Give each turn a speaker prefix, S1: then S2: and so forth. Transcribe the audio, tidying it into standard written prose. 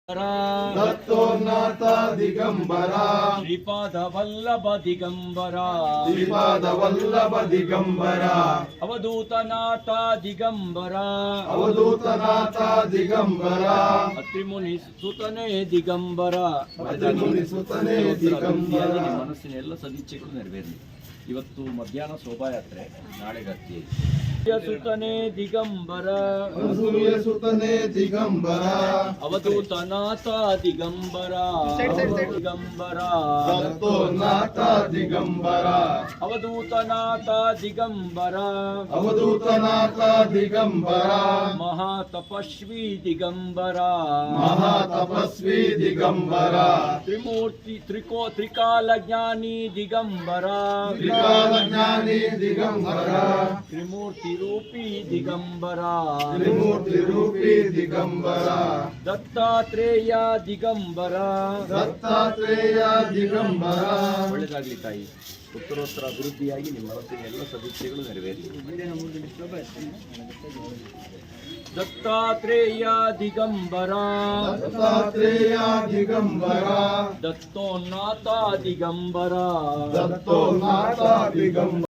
S1: ದತ್ತೋನ್ನತ ದಿಗಂಬರ
S2: ಶ್ರೀಪಾದ ವಲ್ಲಭ ದಿಗಂಬರ
S1: ಶ್ರೀಪಾದ ವಲ್ಲಭ ದಿಗಂಬರ
S2: ಅವಧೂತನಾಥ ದಿಗಂಬರ
S1: ಅವಧೂತನಾಥ ದಿಗಂಬರ
S2: ಅತ್ರಿಮುನಿ ಸುತನೇ ದಿಗಂಬರ.
S1: ಅತ್ರಿಮುನಿ ಸುತನೇ ದಿಗಂಬರ.
S2: ನಿಮ್ಮ ಮನಸ್ಸಿನ ಎಲ್ಲ ಸದಿಚ್ಛೆಗಳು ನೆರವೇರಲಿ. ಇವತ್ತು ಮಧ್ಯಾಹ್ನ ಶೋಭಾಯಾತ್ರೆ, ನಾಳೆ ಗತ್ತಿ. ಸುತನೇ ದಿಗಂಬರ
S1: ಅನಸೂಯ ಸುತನೇ ದಿಗಂಬರ
S2: ಅವಧೂತನಾಥ ದಿಗಂಬರ ದಿಗಂಬರ
S1: ದತ್ತೋನ್ನತ ದಿಗಂಬರ
S2: ಅವಧೂತನಾಥ ದಿಗಂಬರ
S1: ಅವಧೂತನಾಥ ದಿಗಂಬರ
S2: ಮಹಾತಪಸ್ವಿ ದಿಗಂಬರ
S1: ಮಹಾತಪಸ್ವಿ ದಿಗಂಬರ
S2: ತ್ರಿಮೂರ್ತಿ ತ್ರಿಕಾಲ ಜ್ಞಾನಿ ದಿಗಂಬರ
S1: ತ್ರಿಕಾಲ ಜ್ಞಾನಿ ದಿಗಂಬರ
S2: ತ್ರಿಮೂರ್ತಿ ರೂಪಿ ದಿಗಂಬರ
S1: ತ್ರಿಮೂರ್ತಿ ರೂಪಿ ದಿಗಂಬರ
S2: ದತ್ತಾತ್ರೇಯ ದಿಗಂಬರ
S1: ದತ್ತಾತ್ರೇಯ ದಿಗಂಬರ.
S2: ಒಳ್ಳೆದಾಗಲಿ ತಾಯಿ. ಉತ್ತರೋತ್ತರ ಅಭಿವೃದ್ಧಿಯಾಗಿ ನಿಮ್ಮ ಮನಸ್ಸಿನ ಎಲ್ಲ ಸದಸ್ಯಗಳು ನೆರವೇರಲಿ. ದತ್ತಾತ್ರೇಯ ದಿಗಂಬರ
S1: ದತ್ತಾತ್ರೇಯ ದಿಗಂಬರ
S2: ದತ್ತೋನ್ನತ ದಿಗಂಬರ
S1: ದತ್ತೋನ್ನತ ದಿಗಂಬರ